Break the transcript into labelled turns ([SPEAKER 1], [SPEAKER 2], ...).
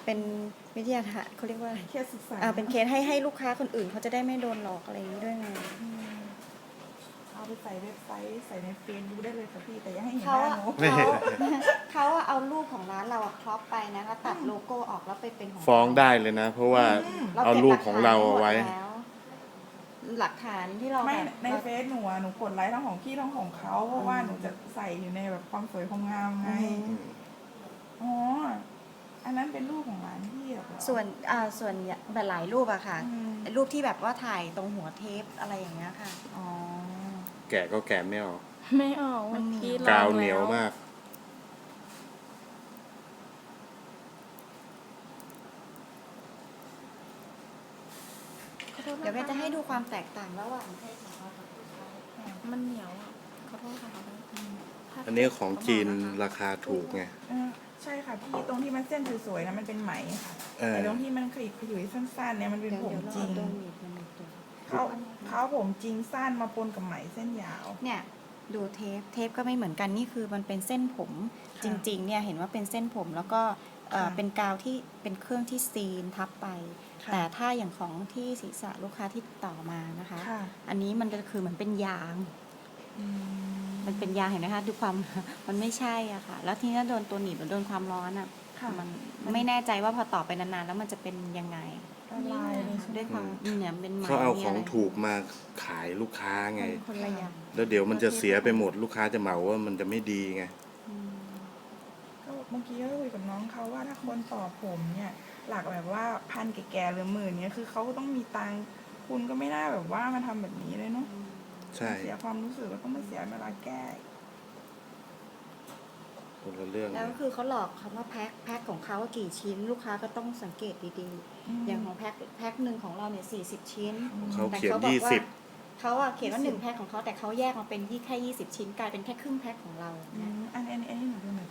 [SPEAKER 1] เป็นวิทยาทานเขาเรียกว่าอะไร
[SPEAKER 2] เคสศึกษา
[SPEAKER 1] เป็นเคสให้ลูกค้าคนอื่นเขาจะได้ไม่โดนหลอกอะไรอย่างนี้ด้วยไง
[SPEAKER 2] เอาไปใส่เว็บไซต์ใส่ในเฟซบุ๊กได้เลยค่ะพี่แต่อย่าให้เห็นห
[SPEAKER 1] เขา
[SPEAKER 2] น้า
[SPEAKER 1] อะ
[SPEAKER 2] หนู
[SPEAKER 1] เขาเอารูปของร้านเราครอปไปนะแล้วตัดโลโก้ออกแล้วไปเป็นของ
[SPEAKER 3] ฟ้องได้เลยนะ เพราะว่าเอารูปของเราเอาไว้
[SPEAKER 1] หลักฐานที่เรา
[SPEAKER 2] ไม่
[SPEAKER 1] แบบ
[SPEAKER 2] ในเฟซหนูอะหนูกดไลค์ทั้งของพี่ทั้งของเขาเพราะว่าหนูจะใส่อยู่ในแบบความสวยความงามไงอ๋ออันนั้นเป็นรูปของร้านพี่เหรอ
[SPEAKER 1] ส่วนแบบหลายรูปอะค่ะ
[SPEAKER 2] อืม
[SPEAKER 1] รูปที่แบบว่าถ่ายตรงหัวเทปอะไรอย่างเงี้ยค่ะ
[SPEAKER 2] อ๋อ
[SPEAKER 3] แกะก็แกะไม่ออก
[SPEAKER 4] ไม่ออก
[SPEAKER 1] มันเหนียว
[SPEAKER 4] เมื่อกี้ลอง
[SPEAKER 3] กาวเหนียว
[SPEAKER 4] แล้
[SPEAKER 3] มาก
[SPEAKER 4] ขอโทษนค
[SPEAKER 1] เดี๋ยวเบนจะให้ดูความแตกต่างระหว่างเพศของเรากับผู้ชาย
[SPEAKER 4] มันเหนียวอะขอโทษค่ะ
[SPEAKER 3] อันนี้ของจีนราคาถูกไง
[SPEAKER 2] ใช่ค่ะพี่ตรงที่มันเส้นสวยๆนะมันเป็นไหมค่ะ
[SPEAKER 3] เออ
[SPEAKER 2] แต่ตรงที่มันขยิบขยุยสั้นๆเนี่ยมันเป็น
[SPEAKER 1] เดี๋ยว
[SPEAKER 2] ผม
[SPEAKER 1] เรา
[SPEAKER 2] จริง
[SPEAKER 1] เอาตัวหนีบมันหนีบตัว
[SPEAKER 2] เขาผมจริงสั้นมาปนกับไหมเส้นยาว
[SPEAKER 1] เนี่ยดูเทปก็ไม่เหมือนกันนี่คือมันเป็นเส้นผม
[SPEAKER 2] ค่ะ
[SPEAKER 1] จริงๆเนี่ยเห็นว่าเป็นเส้นผมแล้วก็
[SPEAKER 2] ค่ะ
[SPEAKER 1] เป็นกาวที่เป็นเครื่องที่ซีนทับไป
[SPEAKER 2] ค่ะ
[SPEAKER 1] แต่ถ้าอย่างของที่ศีรษะลูกค้าที่ต่อมานะคะ
[SPEAKER 2] ค่ะ
[SPEAKER 1] อันนี้มันก็คือเหมือนเป็นยาง
[SPEAKER 2] อืม
[SPEAKER 1] มันเป็นยางเห็นไหมคะดูความ มันไม่ใช่อ่ะค่ะ แล้วทีนี้โดนตัวหนีบหรือโดนความร้อนอ่ะ
[SPEAKER 2] ค่ะ
[SPEAKER 1] มันไม่แน่ใจว่าพอต่อไปนานๆแล้วมันจะเป็นยังไง
[SPEAKER 2] ละลายเลยใช่ไหม
[SPEAKER 1] ด้วยความเนี่ยเป็นไหม
[SPEAKER 3] เขาเอา
[SPEAKER 1] นี่
[SPEAKER 3] ของ
[SPEAKER 1] ะไร
[SPEAKER 3] ถูกมาขายลูกค้าไง
[SPEAKER 1] มันคนละอย่าง
[SPEAKER 3] แล้วเดี๋ยวมันจะเสียไปหมดลูกค้าจะเหมาว่ามันจะไม่ดีไง
[SPEAKER 1] อืม
[SPEAKER 2] ก็เมื่อกี้ก็คุยกับน้องเขาว่าถ้าคนต่อผมเนี่ย หลักแบบว่าพันแก่ๆหรือหมื่นเนี่ยคือเขาต้องมีตังค์คุณก็ไม่น่าแบบว่ามาทำแบบนี้เลยเนาะ
[SPEAKER 3] ใช่
[SPEAKER 2] เสียความรู้สึกแล้วก็มาเสียเวลาแก้
[SPEAKER 3] คนละเรื่อง
[SPEAKER 1] แล้ว
[SPEAKER 3] เลย
[SPEAKER 1] คือเขาหลอกคำว่าแพ็คของเขาว่ากี่ชิ้น ลูกค้าก็ต้องสังเกตดีๆ อย่างของแพ็คหนึ่งของเราเนี่ย40 ชิ้น
[SPEAKER 3] เขา
[SPEAKER 1] แต่
[SPEAKER 3] เขียน
[SPEAKER 1] เขาบอกว่า
[SPEAKER 3] 20
[SPEAKER 1] เขาอะเขียนว่า1 แพ็คของเขาแต่เขาแยกมาเป็นแค่20 ชิ้นกลายเป็นแค่ครึ่งแพ็คของเรา
[SPEAKER 2] อันนี้หนูดูหน่อย